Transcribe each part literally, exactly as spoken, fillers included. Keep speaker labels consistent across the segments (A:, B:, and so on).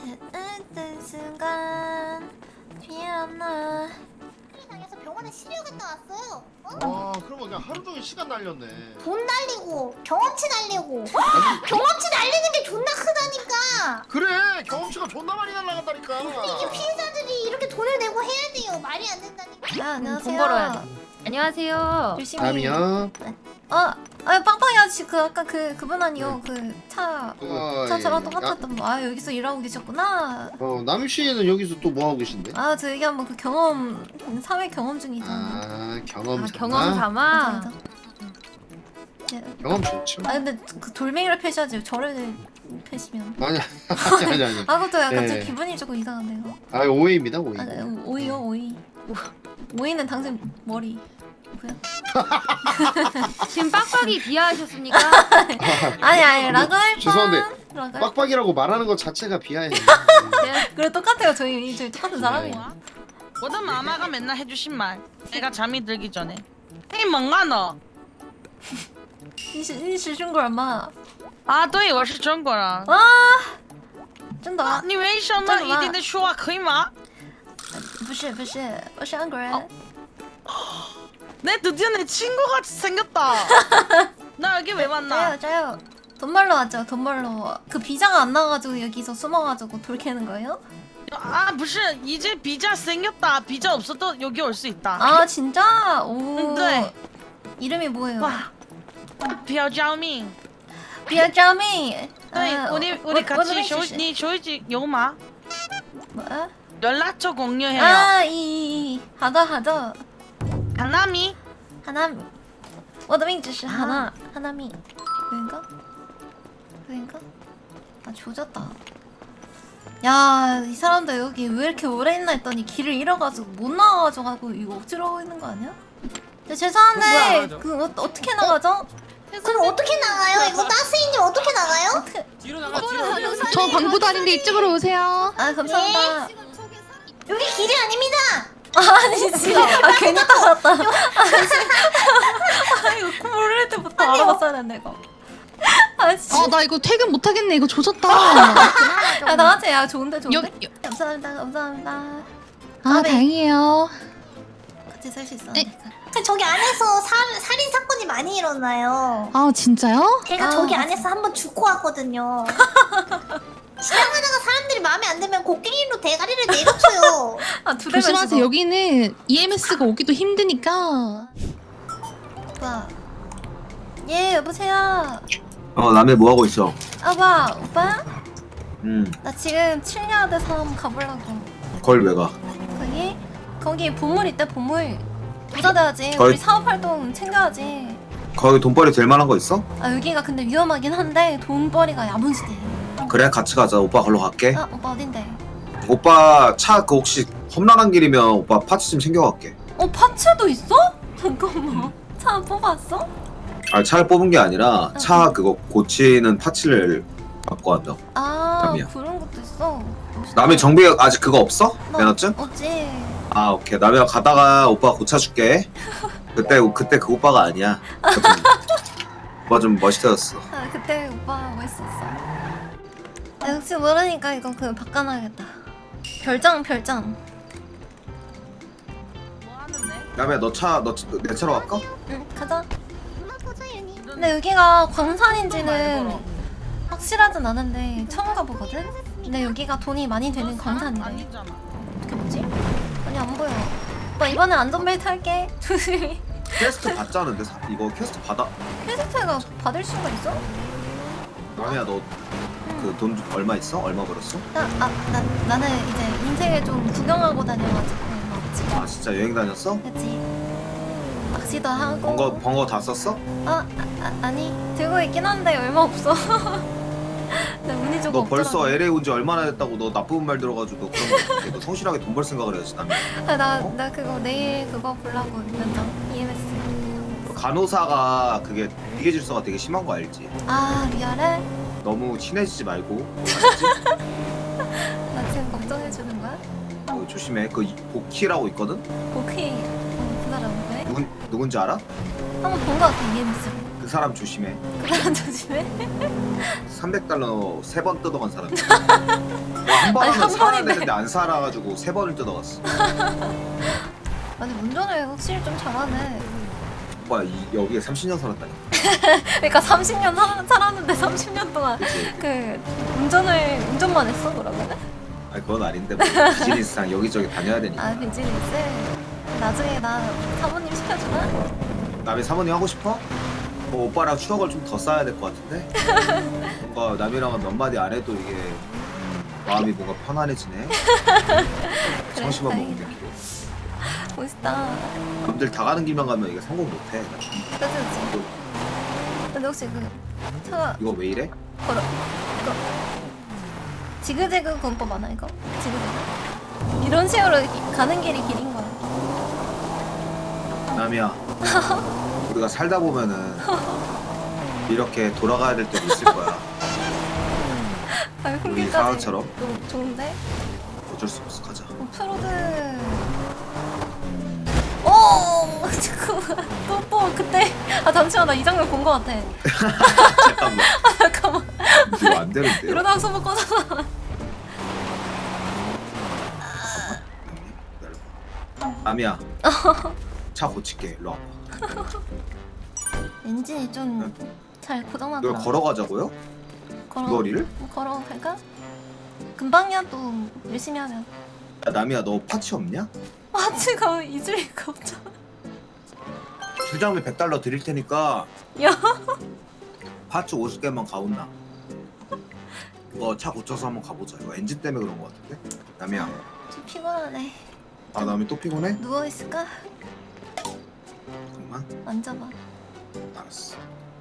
A: 어떤 순간 피었나.
B: 당해서 병원에 치료 갔다 왔어요. 어?
C: 아 그러면 그냥 하루 종일 시간 날렸네.
B: 돈 날리고 경험치 날리고 경험치 날리는 게 존나 크다니까.
C: 그래 경험치가 존나 많이 날라간다니까.
B: 이게 피해자들이 이렇게 돈을 내고 해야 돼요. 말이 안 된다니까.
A: 아, 안녕하세요.
D: 돈 벌어야 돼. 안녕하세요.
A: 열심히.
C: 남이야.
A: 어, 아 빵빵이 아저씨 그 아까 그 그분 아니요 그 차.
C: 어,
A: 차 저랑
C: 예.
A: 똑같았던 분. 아 여기서 일하고 계셨구나.
C: 어 남희 씨는 여기서 또 뭐 하고 계신데?
A: 아 저 여기 한번 그 경험 사회 경험 중이죠.
C: 아 경험
D: 아,
C: 삼아?
D: 경험
A: 맞아,
D: 삼아.
A: 맞아. 네.
C: 경험 좋죠.
A: 아 근데 그 돌멩이를 패셔야지 저를 패시면.
C: 아니 아니 아니 아니.
A: 아 그것도 약간
C: 예.
A: 좀 기분이 조금 이상한데요.
C: 아 오해입니다 오해.
A: 아, 네, 오이요 오이. 오이는 당신 머리. 뭐야?
D: 지금 빡빡이 비하하셨습니까?
A: 아니 아니 라고 할 뻔.
C: 죄송한데,
A: 라고 할
C: 빡빡이라고 말하는 것 자체가 비하해.
A: 그래 똑같아요 저희 저희 똑같은 사람이에요.
E: 모든 마마가 맨날 해주신 말 내가 잠이 들기 전에 헤이 멍아 너
A: 你是你是中国人吗？
E: 啊对我是中国人
A: 啊，真的？
E: 你为什么一定得说话可以吗
A: 不是不是，我是韩国人。
E: 내 드디어 내 친구같이 생겼다 나 여기 왜 만나
A: 짜요 짜요. 돈 벌러 왔죠 돈 벌러. 그 비자가 안 나가지고 여기서 숨어가지고 돌 캐는 거예요?
E: 아 무슨 이제 비자 생겼다 비자 없어도 여기 올 수 있다
A: 아 진짜? 오.
E: 네.
A: 이름이 뭐예요?
E: 와 뼈자민
A: 비아자미.
E: 네 우리 우리 같이 쇼,
A: 쇼.
E: 니 쇼이지 요마
A: 뭐야?
E: 연락처 공유해요
A: 아, 이, 이, 好的好的
E: 하나미
A: 하나미. 我的名字是 하나. 하나미. 그인가? 그인가? 아 조졌다. 야, 이 사람들 여기 왜 이렇게 오래 있나 했더니 길을 잃어가지고 못 나가가지고 이거 억지로 하고 있는 거 아니야? 네, 죄송한데 그 어, 어떻게 나가죠?
B: 그럼 어떻게 나가요? 이거 따스이님 어떻게 나가요?
A: 어떻게?
F: 저 광고도 아닌데 이쪽으로 오세요.
A: 아 감사합니다.
B: 여기 길이 아닙니다.
A: 아니지. 아 괜히 따랐다. 아 이거 모를 때부터 알아봤어야 되는데 이거. 아 씨.
F: 어, 나 이거 퇴근 못 하겠네. 이거 조졌다.
A: 야 나한테 야 좋은데 좋은데.
F: 여, 여.
A: 감사합니다 감사합니다.
F: 아, 다행이에요.
A: 같이 살 수 있어.
F: 네.
B: 그 저기 안에서 살, 살인 사건이 많이 일어나요.
F: 아, 진짜요?
B: 제가
A: 아.
B: 저기 안에서 한번 죽고 왔거든요. 지나가다가 사람들이 마음에 안 들면 곡괭이로 대가리를 내려쳐요.
A: 아두 대만
F: 조심하세요.
A: 죽어.
F: 여기는 이엠에스가 오기도 힘드니까.
A: 오빠. 예 여보세요.
G: 어 남해 뭐 하고 있어?
A: 아빠 오빠?
G: 음
A: 나 지금 칠리아드 섬 가보려고.
G: 거길 왜 가?
A: 거기 거기 보물 있대 보물. 부자 돼야지.
G: 거기-
A: 우리 사업 활동 챙겨야지.
G: 거기 돈벌이 될 만한 거 있어?
A: 아 여기가 근데 위험하긴 한데 돈벌이가 야무지대.
G: 그래 같이 가자. 오빠 걸로 갈게.
A: 아 오빠 어딘데?
G: 오빠 차 그 혹시 험난한 길이면 오빠 파츠 좀 챙겨갈게.
A: 어 파츠도 있어? 잠깐만. 차 뽑았어?
G: 아 차를 뽑은 게 아니라 차 그거 고치는 파츠를 갖고 간다.
A: 아
G: 남이야.
A: 그런 것도 있어.
G: 남해 정비 아직 그거 없어?
A: 나
G: 면허증?
A: 없지.
G: 아 오케이. 남해 가다가 오빠 고쳐줄게. 그때 그때 그 오빠가 아니야. 오빠 좀, 오빠 좀 멋있어졌어.
A: 아 그때 오빠 멋있었어. 아, 혹시 모르니까 이거 그 바꿔놔야겠다. 별장 별장.
E: 뭐 하는데?
G: 남해 너 차 너 내 차로 갈까?
A: 응 가자.
B: 누나 보자연이.
A: 근데 여기가 광산인지는 확실하진 않은데 처음 가보거든? 근데 여기가 돈이 많이 되는 광산이래.
E: 아니잖아
A: 어떻게 보지? 아니 안 보여. 오빠 이번엔 안전벨트 할게. 조심히.
G: 퀘스트 받자는데 사- 이거 퀘스트 받아.
A: 퀘스트가 받을 수가 있어?
G: 남해야 너 그 돈 얼마 있어? 얼마 벌었어?
A: 나, 아, 나, 나는 이제 인생을 좀 구경하고 다녀가지고 막 지금
G: 아 진짜 여행 다녔어?
A: 그치 낚시도 하고
G: 번거 번거 다 썼어?
A: 어? 아, 아, 아니 들고 있긴 한데 얼마 없어. 나 운이 조금
G: 너 벌써
A: 없더라고.
G: 엘에이 온 지 얼마나 됐다고 너 나쁜 말 들어가지고 그런 거 너 성실하게 돈 벌 생각을 해야지 남해.
A: 아, 나,
G: 어?
A: 나 그거 내일 그거 보려고 면접 이엠에스.
G: 간호사가 그게 비계 질서가 되게 심한 거 알지?
A: 아 리얼해?
G: 너무 친해지지 말고 알지?
A: 나 지금 걱정해주는 거야?
G: 어, 조심해. 그 이- 복희라고 있거든?
A: 오케이 어, 그 사람 왜?
G: 누군 누군지 알아?
A: 한번 본 거 같아 이엠에스로.
G: 그 사람 조심해.
A: 그 사람 조심해.
G: 삼백 달러 세 번 뜯어간 사람이야. 한 번
A: 아니,
G: 하면
A: 한
G: 살아야
A: 번인데.
G: 되는데 안 살아가지고 세 번을 뜯어갔어.
A: 아니 운전을 확실히 좀 잘하네.
G: 오빠 이, 여기에 삼십 년 살았다니.
A: 그러니까 삼십 년 살, 살았는데 삼십 년 동안
G: 그치?
A: 그 운전을 운전만 했어 그러면은?
G: 아니 그건 아닌데 뭐 비즈니스상 여기저기 다녀야 되니까.
A: 아 비즈니스. 나중에 나 사모님 시켜주나?
G: 남이 사모님 하고 싶어? 뭐 오빠랑 추억을 좀 더 쌓아야 될 것 같은데? 뭔가 남이랑은 몇 마디 안 해도 이게 마음이 뭔가 편안해지네. 청심한
A: 다행이다.
G: 먹는 게.
A: 멋있다.
G: 남들 다 가는 길만 가면 이게 성공 못해.
A: 그치 그치. 근데 혹시 그 차가
G: 이거 왜 이래?
A: 걸어 이거 지그재그 군법 아나 이거? 지그재그 이런 식으로 이렇게 가는 길이 길인 거야.
G: 남이야. 우리가 살다 보면은 이렇게 돌아가야 될 때도 있을 거야.
A: 아,
G: 우리
A: 흥미까지
G: 상황처럼
A: 너무 좋은데?
G: 어쩔 수 없어. 가자.
A: 오프로드. 오 잠깐만 또또 그때 아 잠시만 나 이 장면 본 거 같아.
G: 잠깐만.
A: 잠깐만
G: 이거 안 되는데요?
A: 이러다가 소문 꺼져서.
G: 남이야. 차 고칠게. 일로 와봐.
A: 엔진이 좀 잘
G: 이걸
A: 고장나더라.
G: 걸어가자고요?
A: 걸어
G: 거리를?
A: 걸어 갈까? 금방이야 또 열심히 하면.
G: 야, 남이야 너 파츠 없냐?
A: 마치가 잊을 리가 없잖아.
G: 주장비 백 달러 드릴 테니까
A: 야
G: 파츠 오십 개만 가온나. 이거 차 고쳐서 한번 가보자. 이거 엔진 때문에 그런 거 같은데? 남이야.
A: 좀 피곤하네.
G: 아 남이 또 피곤해?
A: 누워 있을까?
G: 잠깐만.
A: 앉아봐.
G: 알았어.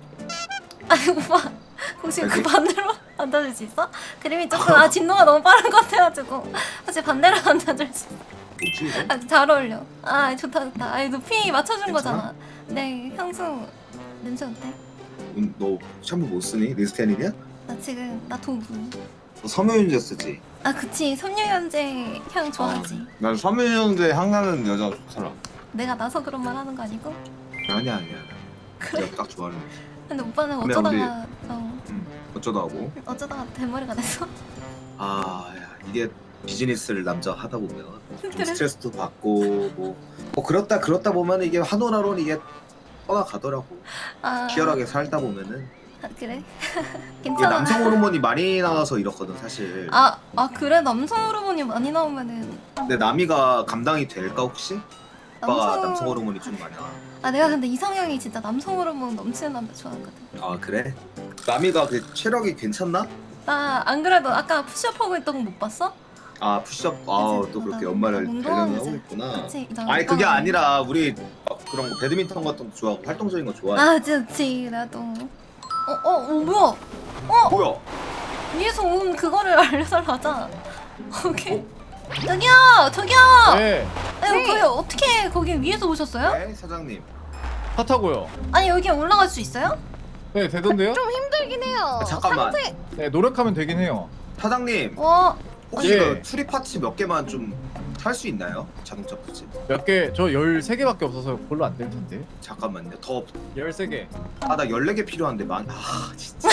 A: 아니 오빠 혹시 그
G: 여기?
A: 반대로 앉아줄 수 있어? 그림이 조금 아 진도가 너무 빠른 것 같아가지고 혹시 반대로 앉아줄 수 있어?
G: 뭐지 이거?
A: 아 잘 어울려. 아 좋다 좋다. 아니 높이 맞춰준
G: 괜찮아?
A: 거잖아. 네 향수 냄새 어때?
G: 음, 너 샴푸 못 쓰니? 리스테닌이야?
A: 나 지금 나 도구.
G: 너 섬유유제 쓰지?
A: 아 그치 섬유유연제 향 좋아하지.
G: 난 섬유유제 향나는 여자 좋더라.
A: 내가 나서 그런 말 하는 거 아니고?
G: 아니야 아니야.
A: 그래?
G: 내가 딱 좋아하는 거.
A: 근데 오빠는
G: 근데
A: 어쩌다가 어,
G: 음, 어쩌다 하고.
A: 어쩌다가 대머리가 됐어?
G: 아 야, 이게 비즈니스를 남자 하다 보면 좀
A: 그래?
G: 스트레스도 받고 뭐, 뭐 그렇다 그렇다 보면 이게 한올 한올 이게 떠나가더라고.
A: 아
G: 치열하게 살다 보면은
A: 아, 그래?
G: 이게
A: 괜찮아.
G: 남성 호르몬이 많이 나와서 이렇거든 사실.
A: 아, 아 그래 남성 호르몬이 많이 나오면은
G: 근데 남이가 감당이 될까 혹시? 오빠가
A: 남성-
G: 남성 호르몬이 좀 많이 나와.
A: 아 내가 근데 이상형이 진짜 남성 호르몬 넘치는 남자 좋아하거든.
G: 아 그래? 남이가 그 체력이 괜찮나?
A: 나 안 그래도 아까 푸시업 하고 있던 거 못 봤어?
G: 아 푸시업 아또
A: 그치?
G: 그렇게
A: 나
G: 연말을
A: 운동하는
G: 달려하고
A: 이제
G: 있구나.
A: 그치 나
G: 아니 그게
A: 운동하는
G: 아니라 우리 막 그런 거 배드민턴 같은 거 좋아하고 활동적인 거 좋아해.
A: 아 그치 나도 어어 어, 어, 뭐야
G: 뭐야?
A: 위에서 온 그거를 알려달라 하자. 오케이 저기요 저기요
H: 네,
A: 아니 거기 어떻게 거기 위에서 오셨어요?
G: 네 사장님.
H: 타 타고요.
A: 아니 여기 올라갈 수 있어요?
H: 네, 되던데요?
D: 좀 힘들긴 해요.
G: 아, 잠깐만
H: 네, 노력하면 되긴 해요.
G: 사장님
A: 어
G: 혹시
H: 예.
G: 그 추리 파츠 몇 개만 좀 살 수 있나요? 자동차 파츠.
H: 몇 개, 저 열세 개밖에 없어서 별로 안 될 텐데.
G: 잠깐만요. 더
H: 열세 개.
G: 아 나 열네 개 필요한데 만. 아 진짜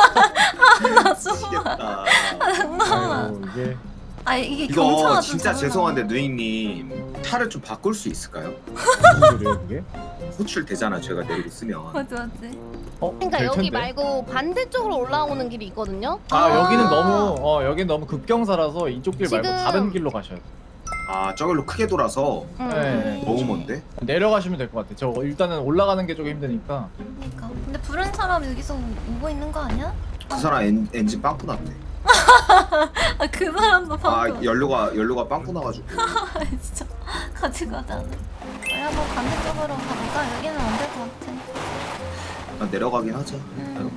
A: 나 수고
G: 미치겠다.
A: 장난아
H: 아이고, 이게
A: 아 이게
G: 이거
A: 경차가 좀
G: 진짜
A: 작나?
G: 죄송한데 누이님 차를 좀 바꿀 수 있을까요?
H: 무슨 소리예요, 그게?
G: 호출 되잖아 제가 내리고 쓰면.
A: 맞지 맞지
H: 어,
D: 그러니까
H: 될
D: 여기
H: 텐데.
D: 말고 반대쪽으로 올라오는 길이 있거든요.
H: 아,
A: 아.
H: 여기는 너무 어, 여긴 너무 급경사라서 이쪽 길 말고
D: 지금-
H: 다른 길로 가셔야 돼요.
G: 아 저길로 크게 돌아서
D: 음.
H: 네.
G: 너무 먼데?
H: 내려가시면 될 것 같아요. 저 일단은 올라가는 게 조금 힘드니까.
A: 그러니까 근데 부른 사람 여기서 오고 있는 거 아니야?
G: 그 사람 엔, 엔진 빵꾸 났대.
A: 아 그 사람도
G: 아
A: 방금
G: 연료가 연료가 빵꾸 나가지고.
A: 아 진짜 같이 가자 우리 한번 반대쪽으로 가볼까? 여기는 안 될 것 같아
G: 난 내려가긴 하자.
A: 음.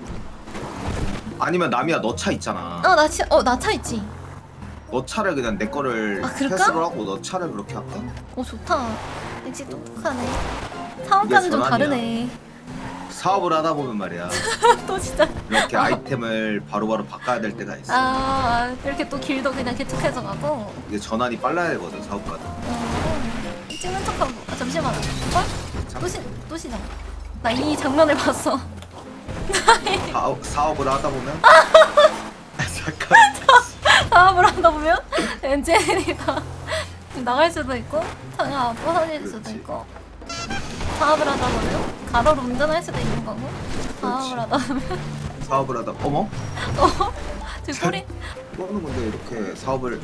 G: 아니면 남이야 너 차 있잖아.
A: 어나어나 차 있지?
G: 너 차를 그냥 내 거를
A: 아, 그럴까?
G: 패스로 하고 너 차를 그렇게 할까?
A: 어 좋다 역시 똑똑하네 사업가는 좀
G: 전환이야.
A: 다르네
G: 사업을 하다 보면 말이야
A: 또 진짜
G: 이렇게 아이템을 바로바로 바꿔야 될 때가 있어.
A: 아 이렇게 또 길도 그냥 개척해서 가고
G: 이게 전환이 빨라야 되거든 사업가는.
A: 어, 찍는 척하고 아 잠시만 어? 또, 시, 또 시작 나 이 장면을 봤어
G: 사업, 사업을 하다 보면 잠깐
A: 사업을 하다 보면 엔지니어링이 다 나갈 수도 있고 차가 부서질 수도
G: 그렇지.
A: 있고 사업을 하다 보면 가로로 운전할 수도 있는 거고 사업을
G: 그렇지.
A: 하다 보면
G: 사업을 하다 어머?
A: 어? 저 소리
G: 너는 근데 이렇게 사업을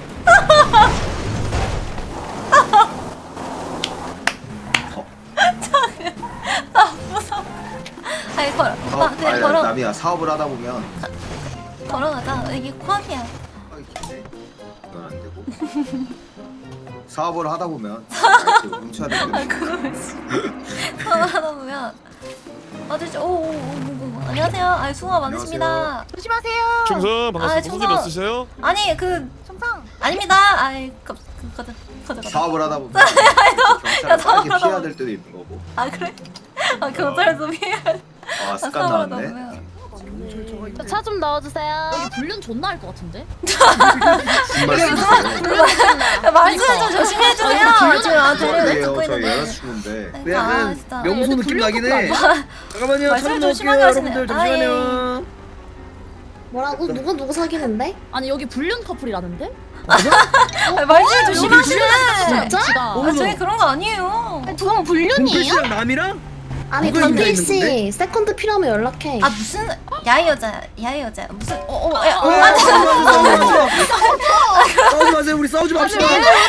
A: 아 무서워 아니 걸어 오빠
G: 사업,
A: 그냥
G: 아니
A: 걸어
G: 남이야 사업을 하다 보면
A: 걸어가자 여기 코앞이야
G: 아, 이게 이건 안 되고 사업을 하다 보면 이렇게 훔쳐야 되는 게
A: 그걸 씨 사업을 하다 보면 아저씨 오오오 안녕하세요 아니 수고 많으십니다
D: 조심하세요.
I: 충성
A: 아,
I: 반갑습니다.
A: 충성.
I: 무슨 일 없으세요?
A: 아니 그
D: 충성.
A: 아닙니다 아이 그, 그 가자 가자 가자
G: 사업을 하다 보면
A: 야,
G: 경찰을
A: 사업을
G: 빨리
A: 하다
G: 피해야
A: 보면-
G: 될 때도 있는 거고
A: 아 그래? 아 경찰서 피해
G: 아 습관
A: 사업을 하다
G: 나왔네
A: 보면
D: 차 좀 넣어주세요.
F: 여기 불륜 존나 할 것 같은데?
G: 무슨 말씀이세요?
A: 야, 말씀을 좀 조심히 해주세요 지금 아 대리를
G: 아니에요
A: 듣고
G: 저희
A: 있는데
G: 여자친구인데
A: 아 진짜
F: 명소 느낌 나긴 해.
J: 잠깐만요.
A: 말씀을
J: 차
A: 좀 심하게
J: 넣을게요.
A: 하시네.
J: 여러분들
A: 아, 예.
J: 잠시만요.
B: 뭐라고? 누구 누구 사귀는데?
F: 아니 여기 불륜 커플이라는데?
A: 아, 말씀을 조심하시네
F: 진짜?
A: 아 저희 그런 거 아니에요
D: 그건 불륜이에요?
J: 동필씨랑 남이랑?
B: 아니
J: 누가 인자
B: 건필 씨
J: 있는
B: 세컨드 필요하면 연락해.
A: 아 무슨 야이 여자야 야이 여자야 무슨 어어야
J: 어,
A: 아
J: 싸우지 마세요. 우리 싸우지 맙시다.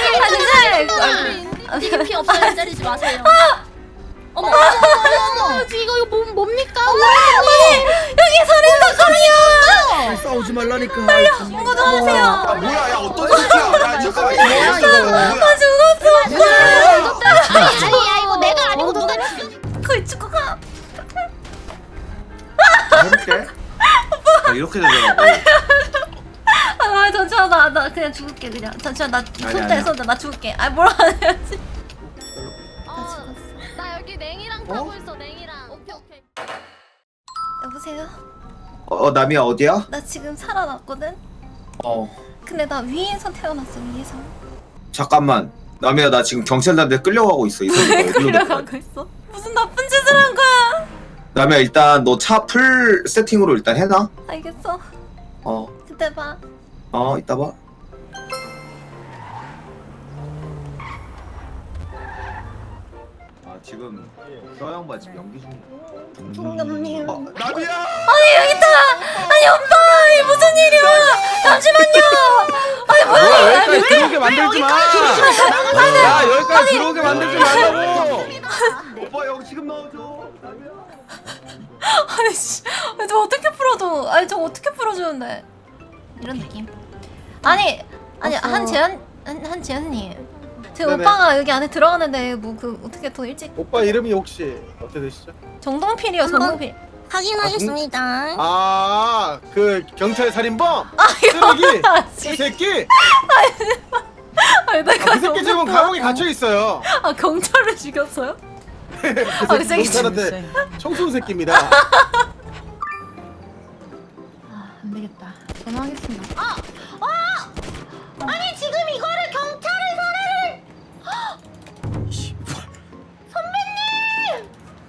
A: 진짜
F: 인디 피 없어요. 때리지 마세요. 어머 어머 어머 어머 이거 이거 뭐, 뭡니까?
A: 여기 살인 사건이야
J: 싸우지 말라니까.
A: 신고 좀 하세요
G: 아 뭐야 야 어떤 새끼야 야 잠깐만
B: 뭐야, 이거.
G: 뭐야
A: 아 죽었어
D: 아니야 이거 내가 아니고 누가
A: 거의 죽고 가
G: 해볼게 아, 이렇게 되더라고
A: 아 잠시만 나, 나 그냥 죽을게 그냥 잠시만 나
G: 아니,
A: 손대
G: 아니야.
A: 손대 나 죽을게 아 뭐라 해야지
D: 어, 나 여기 냉이랑 타고 있어 냉이랑. 오케이 오케이.
A: 여보세요
G: 어 남이야 어디야?
A: 나 지금 살아났거든
G: 어
A: 근데 나 위에서 태어났어 위에서
G: 잠깐만 남이야 나 지금 경찰단한테 끌려가고 있어 이 새끼가 어디로 데리고 가?
A: 끌려가고 있어 무슨 나쁜 짓을 한 거야
G: 남이야 일단 너 차 풀 세팅으로 일단 해놔
A: 알겠어
G: 어
A: 그때 봐
G: 어 이따 봐 아, 지금 서영바 지금 연기 중이야
B: 총감님.
G: 어, 남이야!
A: 아니 여기 있다 아니 오빠 이게 무슨 일이야 잠시만요 아니 뭐야
J: 뭐야 여기까지 들어오게 만들지 마. 야 여기까지 들어오게 만들지 말라고.
G: 오빠 여기 지금 넣어줘 남이야
A: 아니 씨 아니 저 어떻게 풀어줘 아니 저 어떻게 풀어주는데 이런 느낌 아니 아니
B: 어허.
A: 한재현 한, 한재현님 제
J: 네네.
A: 오빠가 여기 안에 들어가는데 뭐 그 어떻게 더 일찍
J: 오빠 이름이 혹시 어떻게 되시죠?
A: 정동필이요
B: 한번-
A: 정동필
B: 확인하겠습니다.
J: 아 그 경찰 살인범. 쓰레기. 이 새끼.
A: 아니 내가
J: 그 새끼
A: 너무
J: 지금
A: 웃겨.
J: 감옥에 갇혀 있어요.
A: 아 경찰을 죽였어요?
J: 그
A: 아, 그
J: 새끼
A: 새끼
J: 경찰한테 청소년 새끼입니다.
F: 안 되겠다. 전화하겠습니다.
B: 아니 지금 이거를 경찰에서를 선배님!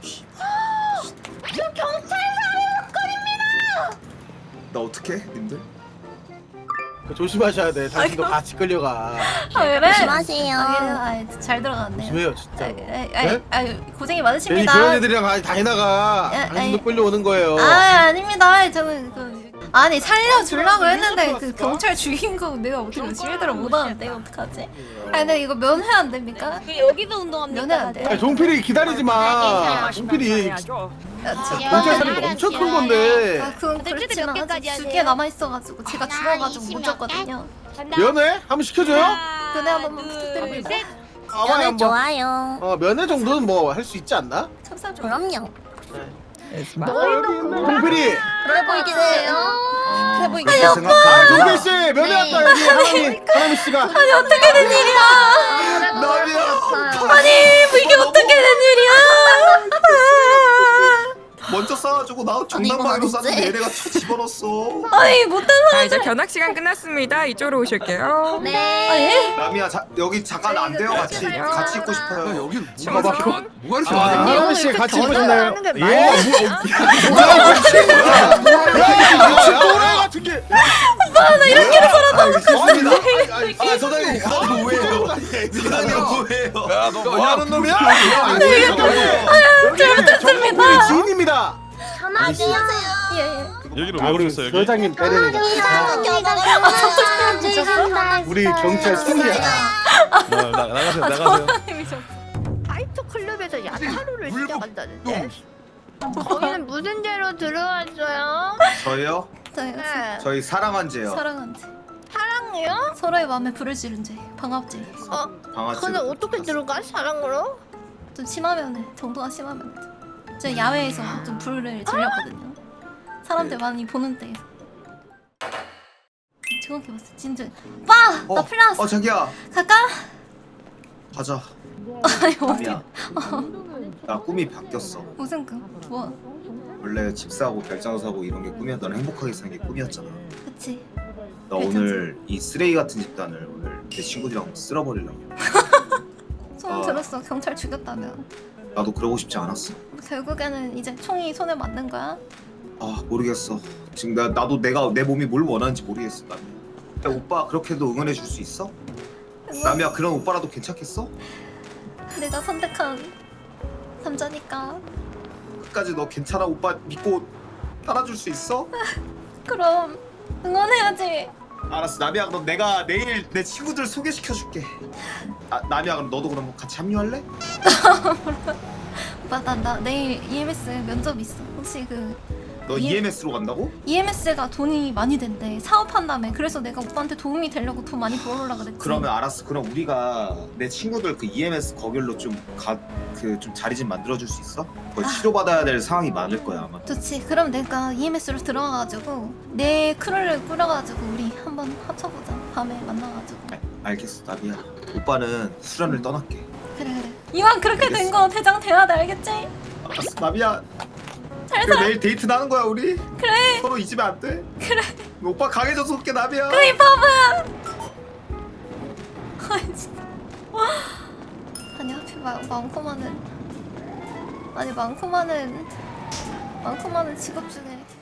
B: 지금 경찰 사례 사건입니다.
G: 나 어떡해 님들?
J: 그 조심하셔야 돼. 당신도 같이 끌려가.
A: 아 그래?
B: 조심하세요.
A: 아, 그래? 아, 잘 들어갔네요
J: 조심해요
A: 아,
J: 진짜.
A: 아,
J: 네?
A: 아, 아, 고생이
J: 괜히
A: 많으십니다
J: 그런 애들이랑 다 해나가.
A: 야,
J: 당신도
A: 아이.
J: 끌려오는 거예요.
A: 아 아닙니다 저는 그 아니 살려주려고 했는데 그 경찰 죽인 거 내가 어떻게 실드를 못하는데 어떡하지? 아니 근데 이거 면회 안 됩니까?
D: 여기서 운동합니까?
A: 면회 안 돼요?
J: 아니, 종필이 기다리지 마. 종필이
A: 야, 저-
J: 경찰 살인 엄청 큰 건데.
A: 아 그건
D: 근데 몇
A: 그렇지만
D: 개까지
A: 아직
D: 해야
A: 두개 남아있어가지고 제가 죽어가지고 못 줬거든요
J: 면회 한번 시켜줘요?
A: 면회 한 번만 부탁드립니다
J: 가만히 한번.
B: 좋아요.
J: 어 면회 정도는 뭐 할 수 있지 않나?
A: 참사 좀
B: 그럼요.
J: 어, 여기 있네. 종필이.
B: 그래 보이겠어요.
G: 아,
D: 보이게.
G: 그렇게
J: 아
G: 생각하면
J: 종필 씨 면회 왔다 여기 하나미 하나미 씨가.
A: 아니 어떻게 된 일이야
G: 남이야
A: 아니 뭐 이게 어떻게 된 일이야
G: 먼저 싸가지고 나
B: 이건
G: 정당방위로
B: 아니지?
G: 쌌는데 얘네가 쳐 집어넣었어.
A: 아니 못된
I: 자 이제 견학 시간 끝났습니다. 이쪽으로 오실게요.
B: 네.
G: 남이야 자, 여기 잠깐 안 돼요 같이 같이 있고 싶어요.
J: 여기
I: 누가 막혀?
J: 뭐가 이렇게
H: 아,
J: 많아?
H: 하나미 씨 같이 보셨나요?
J: 예? 뭐야 미친 또래 같은 게.
G: 나 이렇게 살아남을 아, 아, 소장님 그거 뭐예요? 그거 뭐예요?
J: 야너 뭐하는 놈이야?
A: 잘못했습니다.
C: 우리 지인입니다.
B: 안녕하세요.
A: 예예.
K: 여기는
C: 아,
K: 왜
C: 우리
K: 그러겠어 여기?
C: 소장님 때리는 거. 우리 경찰 손이야.
K: 나, 나, 나가세요 나가세요.
F: 파이터 클럽에서 야타루를 시작한다는데 거기는 무슨 죄로 들어왔어요?
G: 저요?
A: 저요.
F: 네.
G: 저희 사랑한 죄요.
A: 사랑한 죄.
F: 사랑이요?
A: 서로의 마음에 불을 지른 죄. 방합죄.
F: 어?
G: 방아찌.
F: 근데 어떻게 들어가? 사랑으로?
A: 좀 심하면은 정도가 심하면 저 야외에서 좀 불을 질렸거든요. 사람들 많이 보는 데에서. 정확히 봤어. 진짜. 오빠! 나
G: 어,
A: 플라스.
G: 어 자기야
A: 갈까?
G: 가자.
A: 아니 어디?
G: 남이야. 나 꿈이 바뀌었어.
A: 무슨 그 뭐?
G: 원래 집 사고 별장 사고 이런 게 꿈이었. 너는 행복하게 사는 게 꿈이었잖아.
A: 그치.
G: 나 오늘 이 쓰레기 같은 집단을 오늘 내 친구들이랑 쓸어버리려고.
A: 소문
G: 아.
A: 들었어. 경찰 죽였다며.
G: 나도 그러고 싶지 않았어.
A: 결국에는 이제 총이 손에 맞는 거야?
G: 아 모르겠어. 지금 나 나도 내가 내 몸이 뭘 원하는지 모르겠어. 남이야. 야, 오빠 그렇게도 응원해 줄 수 있어? 남이야 그런 오빠라도 괜찮겠어?
A: 내가 선택한 남자니까.
G: 끝까지 너 괜찮아 오빠 믿고 따라줄 수 있어?
A: 그럼 응원해야지.
G: 알았어 남이야 그럼 내가 내일 내 친구들 소개시켜줄게. 아, 남이야 그럼 너도 그럼 같이 합류할래?
A: 오빠 나, 나 내일 이엠에스 면접 있어. 혹시 그
G: 너
A: 이-
G: 이엠에스로 간다고?
A: 이엠에스가 돈이 많이 된대. 사업한다며. 그래서 내가 오빠한테 도움이 되려고 돈 많이 벌어오려고 그랬지.
G: 그러면 알았어. 그럼 우리가 내 친구들 그 이엠에스 거길로 좀 가 그 좀 자리 좀 만들어 줄 수 있어? 거의 치료받아야 될 상황이 많을 거야 아마.
A: 좋지. 그럼 내가 이엠에스로 들어가가지고 내 크루를 꾸려가지고 우리 한번 합쳐보자. 밤에 만나가지고.
G: 알, 알겠어 남이야. 오빠는 수련을 떠날게.
A: 그래 그래. 이왕 그렇게 된 거 대장 돼야 돼. 알겠지?
G: 알았어 남이야.
A: 잘
G: 그래,
A: 살아.
G: 내일 데이트 나는 거야 우리.
A: 그래.
G: 서로 잊으면 안 돼.
A: 그래.
G: 오빠 강해져서 올게 남이야.
A: 그래 이 바보야. 아니 진짜. 아니 하필 마, 많고 많은 아니 많고 많은 많고 많은 직업 중에